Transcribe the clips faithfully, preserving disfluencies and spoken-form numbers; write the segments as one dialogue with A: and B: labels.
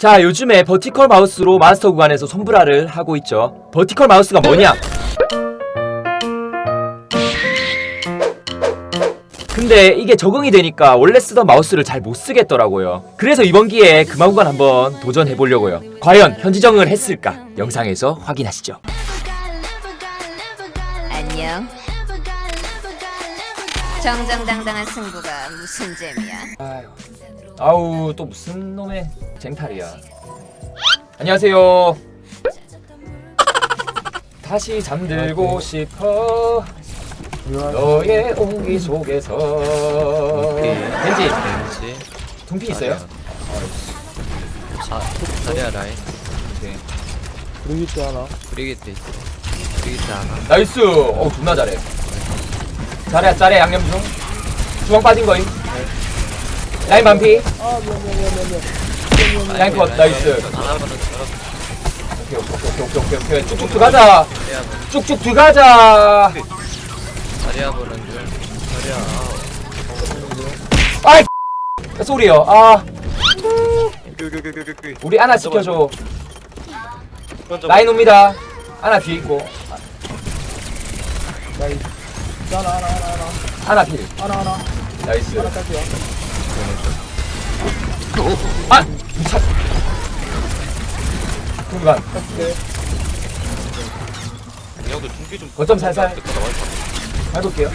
A: 자, 요즘에 버티컬 마우스로 마스터 구간에서 손브라를 하고 있죠. 버티컬 마우스가 뭐냐? 근데 이게 적응이 되니까 원래 쓰던 마우스를 잘 못 쓰겠더라고요. 그래서 이번 기회에 금화 구간 한번 도전해보려고요. 과연 현지정을 했을까? 영상에서 확인하시죠.
B: 안녕. 정정당당한 승부가 무슨 재미야?
A: 아유, 아우 또 무슨 놈의 쟁탈이야. 안녕하세요. 다시 잠들고 싶어 너의 온기 속에서. 벤지
C: 벤지
A: 둥피 있어요?
C: 자, 자리야 라인
A: 오케이.
D: 브리기트 하나.
C: 브리기트 있어 브리기트 하나
A: 나이스. 어 존나 잘해. 잘해 잘해. 양념 중 주방 빠진 거임. 라인 반피.
D: 아 미안 미안 미안 미안 미안.
A: 라인 컷. 나이스.
C: 하나보다 더
A: 오케이 오케이 오케이 오케이 오케이. 쭉쭉 들어가자.
C: 자리야 보는
A: 쭉쭉 들어가자.
C: 자리야 보는 중 자리야
A: 아이 소리요. 아
C: 끄끄끄끄끄
A: 우리 아나 지켜줘. 라인 옵니다. 아나 뒤에 있고.
D: 나이스. 하나 하나 하나 하나
A: 아나 필.
D: 하나 하나
A: 나이스.
D: 하나 딸게요.
A: 아 미쳤. 중간.
D: 오케이.
C: 형도 중기 좀
A: 거점 살살 밟을게요.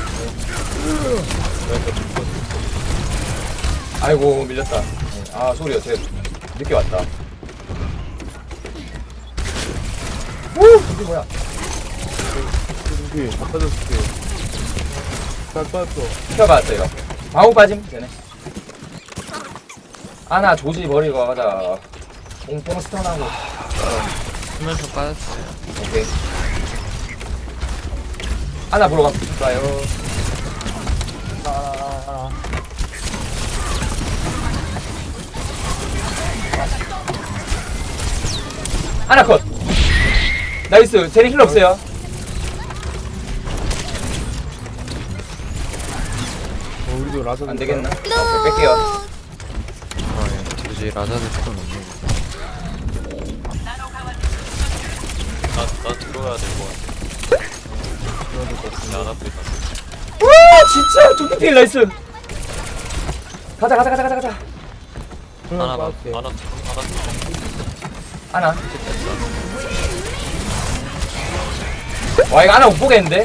A: 아이고 밀렸다. 아 소리요. 제 늦게 왔다. 오 이게 뭐야?
D: 여기 갖다 줄게. 잘 빠졌어.
A: 튀어봤어요. 방어 빠짐 되네. 아나 조지 버리고 가자. 뽕뽕 스턴하고.
C: 수면서 빠졌어요
A: 오케이. 아나 보러 가볼까요?
D: 하나 하나 하나.
A: 아나 컷. 나이스. 쟤는 힐 없어요.
D: 어, 우리도 라자.
A: 안 되겠나? 오케이, 뺄게요.
C: 아예 도저히 라자를 조금 없네 나나 들어가야 될 것 같아 나 앞에
A: 와 진짜 두피필 나이스. 가자 가자 가자 가자 가자.
C: 하나 봐
D: 빠질게.
C: 하나
A: 아나. 와 이거 아나 못 보겠는데?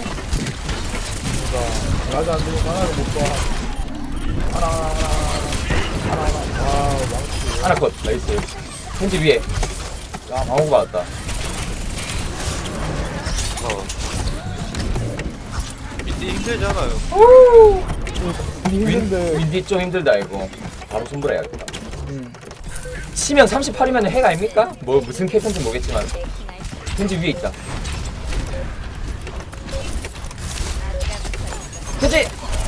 D: 라자 안 되고 하나를 못 봐. 하나 하나 하나 하나 하나 하나. 와 망치.
A: 아나 컷 나이스. 펜지 위에. 야 방어구 받았다.
C: 어 밑에 힘들잖아요
D: 힘든데.
A: 윈디 좀 힘들다 이거. 바로 손불해야겠다.
D: 응.
A: 치면 삼십팔이면 핵 아닙니까? 뭐 무슨 캐릭터인지 모르겠지만 펜지 위에 있다. 펜지.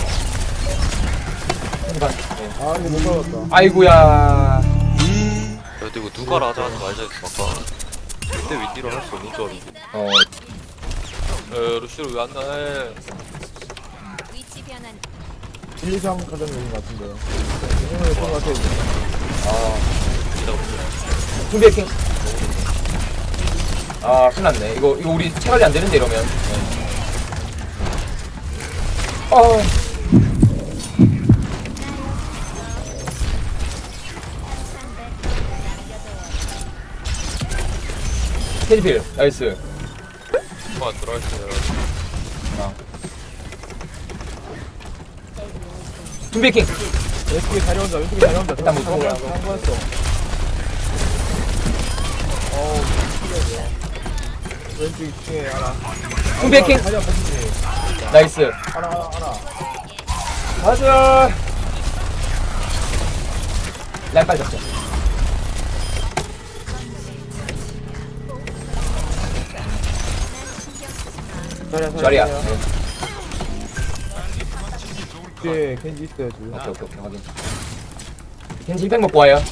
A: 펜지 반. 네.
D: 아 이거 못 잡았다.
A: 아이고야.
C: 야 근데 이거 누가 라자 하는 말자 했어 아까 그때 윈디로 할 수 없는 줄 알았는데
A: 어
C: 에 루시로 왜 안 나해
B: 위치 변환.
D: 일, 이, 삼 가장 좋은 것 같은데요. 오늘 예쁜 것 같아요.
A: 아.
C: 이따가 보자
A: 준비해킹. 아 큰일났네. 이거 이거 우리 체관리 안 되는데 이러면. 네. 어. 캐디필 나이스.
C: 아 들어왔어요
A: 아. 준비해킹.
D: 왼쪽에 자리 혼자, 왼쪽에 자리 혼자.
A: 일단 못 보고.
D: 한 거였어. 어우, 신기하네. 왼쪽 이 층에 하나.
A: 준비해킹.
D: 자리 한번 보시지.
A: 나이스.
D: 하나, 하나, 하나.
A: 가자. 라인 빨리 잡자.
D: 자리야,
A: 자리야.
D: 자리야.
A: 네.
D: 뒤에 겐지 있어요, 지금.
A: 오케이 오케이 오케이 확인. 겐지 힐백 먹고 와요.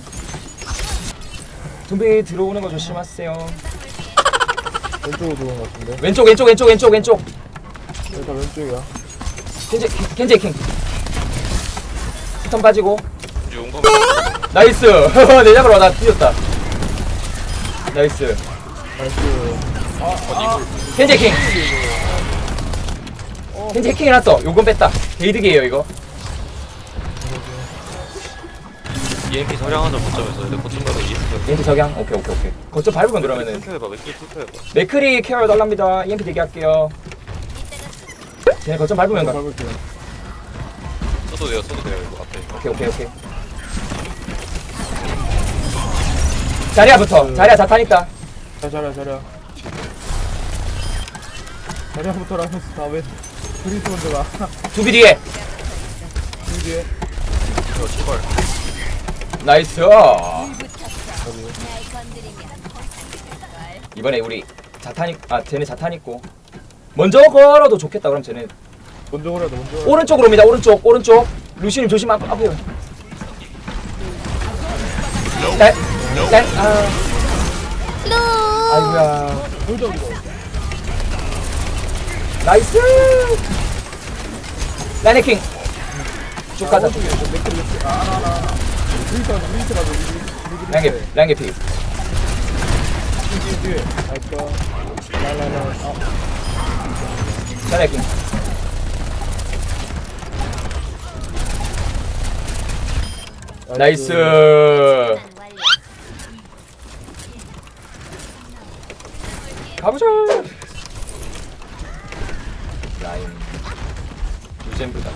A: 준비 들어오는 거 조심하세요.
D: 왼쪽으로 들어온 것 같은데.
A: 왼쪽 왼쪽 왼쪽 왼쪽 왼쪽.
D: 일단 왼쪽이야.
A: 겐지 겐지 킹. 스턴 빠지고.
C: 이제 용감
A: 나이스. 내 잡으러 나 뛰었다. 나이스.
D: 나이스.
A: 켄지 해킹. 켄지 해킹 해놨어. 요건 뺐다. 게이득이에요 이거.
C: 이엠피 서량하자 거점에서 근데 거점 가서 이엠피
A: 이엠피 저장. 오케이 오케이 오케이. 거점 밟으면 그러면은
C: 투표해봐 맥주 투표해봐
A: 맥크리 케어 달랍니다. 이엠피 대기할게요. 쟤네 거점 밟으면 가.
D: 밟을게요.
C: 써도 돼요 써도 돼요 이거 앞에
A: 오케이 오케이 오케이. 자리야부터. 자리야 자탄 있다.
D: 자, 자랴, 자랴. 자랴부터 라면서 다음에 브리스 먼저 가.
A: 두비 뒤에.
D: 그 뒤에.
C: 이거 출발
A: 나이스.
B: 날 건드리면
A: 이번에 우리 자탄 있, 아 쟤네 자탄 있고. 먼저 걸어도 좋겠다. 그럼 쟤네
D: 먼저 오라도 먼저. 오라.
A: 오른쪽으로 옵니다. 오른쪽 오른쪽. 루시님 조심 앞 앞에. 짤. 짤. 아. 아이고야.
D: 돌자 이거.
A: 나이스. 라인 해킹. 쭉 가자.
D: 맥주 맥주. 아, 하나 하나. 브리스 가자. 브리스 가자.
A: 라인 개 라인 개피.
D: 뒤에 뒤에. 나이스. 라라라. 아.
A: 라인 해킹. 나이스.
B: 완료.
A: 가보자. 라인. 유젠브다.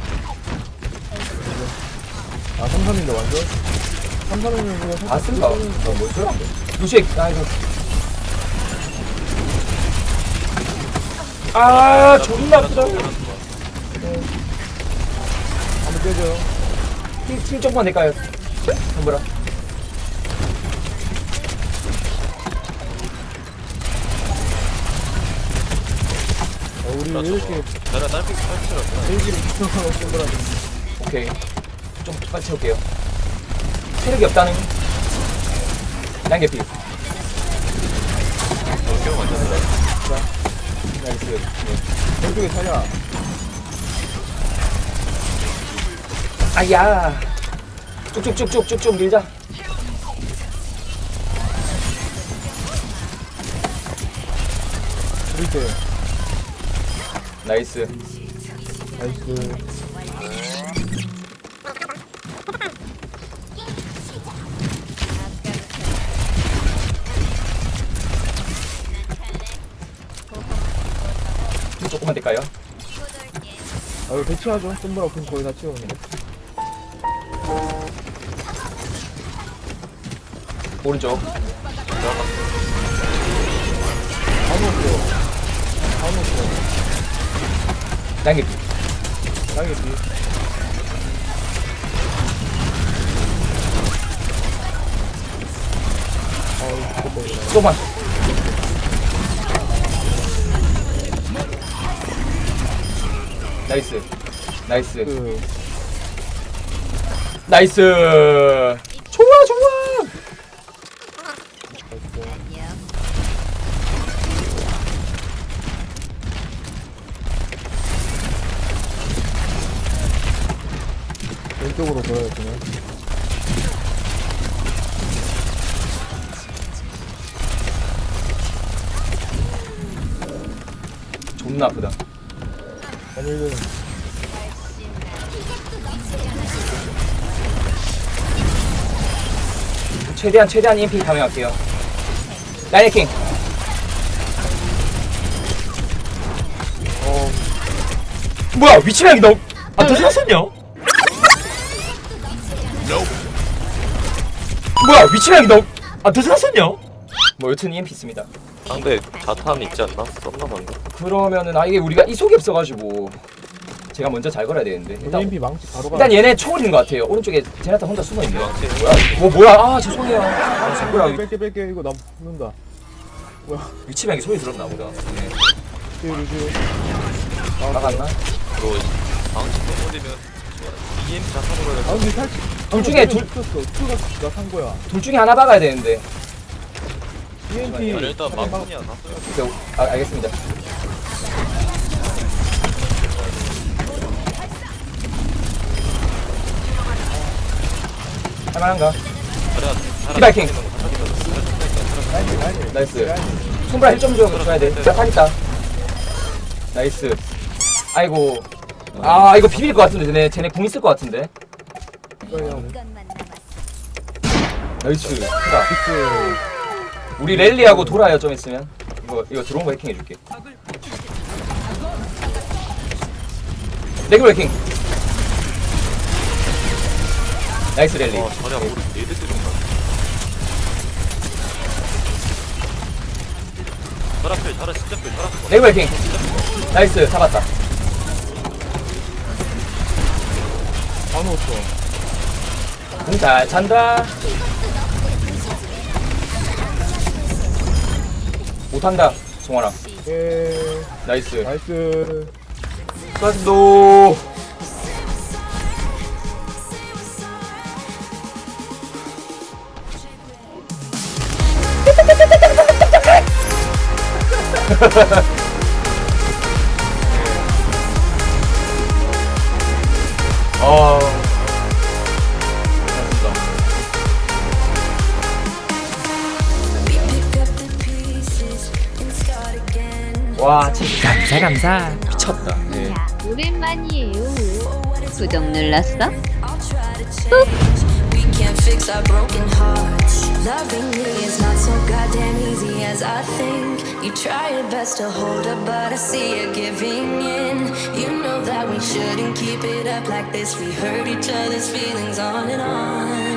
D: 아, 삼 삼인데 완전? 삼 삼이면 그냥
A: 아 쓴가? 어, 뭘 써야 돼? 루시, 아 이거. 아 존나 아프다.
D: 한번 깨줘요.
A: 힐, 힐 조금만 낼까요? 한번라.
D: 어, 우리 왜 이렇게
C: 나랑 딸피 딸피처럼
D: 일기를 구성하고 쓴 거라는.
A: 오케이. 좀 빨리 채울게요. 체력이 없다는. 라인 개피.
C: 기억 안 나는데
A: 나이스. 네.
D: 왼쪽에 차냐?
A: 아야. 쭉쭉쭉쭉쭉쭉 밀자.
D: 브리스.
A: 나이스.
D: 나이스.
A: 조금만 될까요?
D: 아, 이거 배치하죠. 썸브라 그럼 거의 다 채우는데.
A: 오른쪽.
D: 다 먹었어요. 다 먹었어요.
A: 라인 개피.
D: 땅에 뒤. 아, 이거 죽겠다, 이거.
A: 조금만. 나이스. 나이스.
D: 그,
A: 나이스. 좋아 좋아.
D: 왼쪽으로 돌아야 되네.
A: 존나 아프다.
D: 아니면
A: 최대한 최대한 이엠피 감행할게요. 라인 해킹.
D: 어,
A: 뭐야 위치랑이 너무 안 터졌었냐? 뭐야 위치랑이 너무 안 터졌었냐? 뭐 여튼 이엠피 있습니다.
C: 상대 자탄 있지 않나? 썸나 방금
A: 그러면은 아 이게 우리가 이속이 없어가지고 제가 먼저 잘 걸어야 되는데
D: 여기
A: 일단
D: 엠피 망치 바로 가.
A: 일단 얘네 초월인 것 같아요. 오른쪽에 제나타 혼자 숨어 있네.
C: 망치
A: 뭐야? 뭐 뭐야? 아 죄송해요. 아 뭐야?
D: 뺄게 뺄게 이거 나 붙는다. 뭐야?
A: 위치랑이 소리 들었나 보다. 네.
D: 뒤에 루즈.
A: 나갔나?
C: 이거 망치 또 올리면 이엠피 자탄으로 해야
D: 아 근데 살짝.
A: 둘 중에 둘-
D: 붙었어. 투가 나산 거야.
A: 둘 중에 하나 박아야 되는데.
D: 이엠피.
C: 아니 일단 망치야 다 써요
A: 오케이, 아, 알겠습니다. 할만한가?
C: 자리야
A: 디바이킹.
D: 라인 라인
A: 나이스. 손브라 일 점 줘야 돼. 자, 타겠다. 나이스. 아이고. 아, 이거 비빌 것 같은데, 쟤네, 쟤네 궁 있을 것 같은데.
D: 이거요.
B: 이것만 남았어.
A: 나이스. 크다.
D: 빅스.
A: 우리 랠리하고 돌아요, 좀 있으면. 이거, 이거 들어온 거 해킹 해줄게. 레귤 해킹. 나이스 랠리.
C: 와 자리야 우리 네드 때린다 자라 필 자라 진짜 필 자라 필
A: 레귤 해킹. 나이스, 잡았다.
D: 안 넣었어.
A: 궁 잘 찬다. 못한다, 송환아.
D: 예.
A: 나이스.
D: 나이스.
A: 수고하셨습니다. 어. 와, 진짜 감사 감사. 미쳤다. 네.
B: 오랜만이에요. 구독 눌렀어?
E: We can't fix our broken hearts. Loving me is not so goddamn easy as I think. You try your best to hold up, but I see you giving in. You know that we shouldn't keep it up like this. We hurt each other's feelings on and on.